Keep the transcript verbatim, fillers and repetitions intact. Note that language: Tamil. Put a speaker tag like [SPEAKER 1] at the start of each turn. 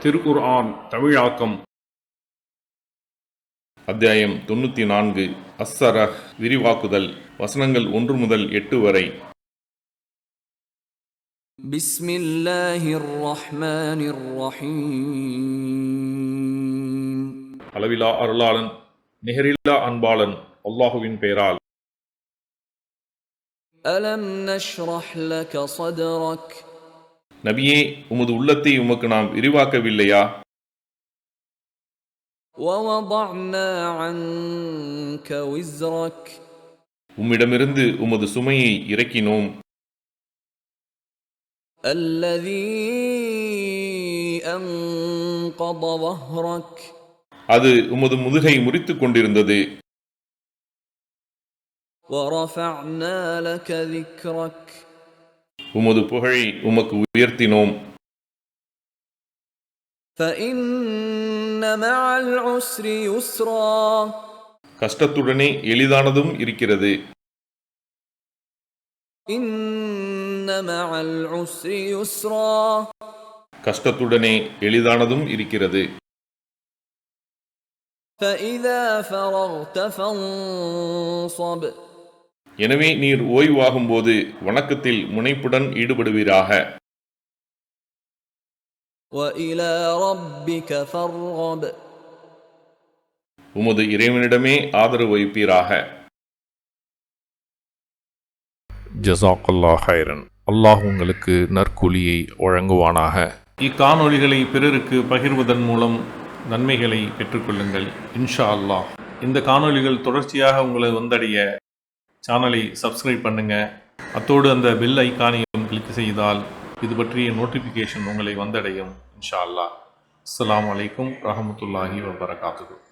[SPEAKER 1] திருக்குர்ஆன் தமிழாக்கம் அத்தியாயம் தொண்ணூற்றி நான்கு. அஸ்ஸரஹ் விரிவாக்குதல். வசனங்கள் ஒன்று முதல் எட்டு வரை.
[SPEAKER 2] பிஸ்மில்லாஹிர் ரஹ்மானிர் ரஹீம்.
[SPEAKER 1] அளவிலா அருளாளன் நிகரில்லா அன்பாளன் அல்லாஹுவின் பெயரால்.
[SPEAKER 2] அலம் நஷ்ரஹ் லக ஸத்ரக்.
[SPEAKER 1] நபியே, உமது உள்ளத்தை உமக்கு நாம் விரிவாக்கவில்லையா?
[SPEAKER 2] வவதஅனா அன்க விஸ்ரக்.
[SPEAKER 1] உம்மிடமிருந்து உமது சுமையை இறக்கினோம்.
[SPEAKER 2] அல்லதீ அன்கத வஹ்ரக்.
[SPEAKER 1] அது உமது முதுகை முறித்துக் கொண்டிருந்தது.
[SPEAKER 2] வரஃபஅனா லக திக்ரக்.
[SPEAKER 1] உமது புகழை உமக்கு உயர்த்தினோம்.
[SPEAKER 2] ஃபஇன்ன மஅல் உஸ்ரி யுஸ்ரா.
[SPEAKER 1] கஷ்டத்துடனே எளிதானதும் இருக்கிறது.
[SPEAKER 2] இன்ன மஅல் உஸ்ரி யுஸ்ரா.
[SPEAKER 1] கஷ்டத்துடனே எளிதானதும் இருக்கிறது.
[SPEAKER 2] ஃபஇதா ஃபரக்த ஃபன்ஸப்.
[SPEAKER 1] எனவே நீர் ஓய்வாகும் போது வணக்கத்தில் முனைப்புடன் ஈடுபடுவீராக.
[SPEAKER 2] வஇலா ரப்பிக ஃபர்கப்.
[SPEAKER 1] உமது இறைவனிடமே ஆதரவு வைப்பீராக. ஜஸாக்கல்லாஹ் ஹைரன். அல்லாஹ் உங்களுக்கு நற்கூலியை வழங்குவானாக. இக்காணொளிகளை பிறருக்கு பகிர்வதன் மூலம் நன்மைகளை பெற்றுக்கொள்ளுங்கள் இன்ஷா அல்லாஹ். இந்த காணொளிகள் தொடர்ச்சியாக உங்களை வந்தடைய சேனலை சப்ஸ்கிரைப் பண்ணுங்கள். அத்தோடு அந்த பெல் ஐக்கானையும் கிளிக் செய்தால் இது பற்றிய நோட்டிஃபிகேஷன் உங்களை வந்தடையும் இன்ஷா அல்லாஹ். அஸ்ஸலாமு அலைக்கும் ரஹமத்துல்லாஹி வபரகாத்துஹு.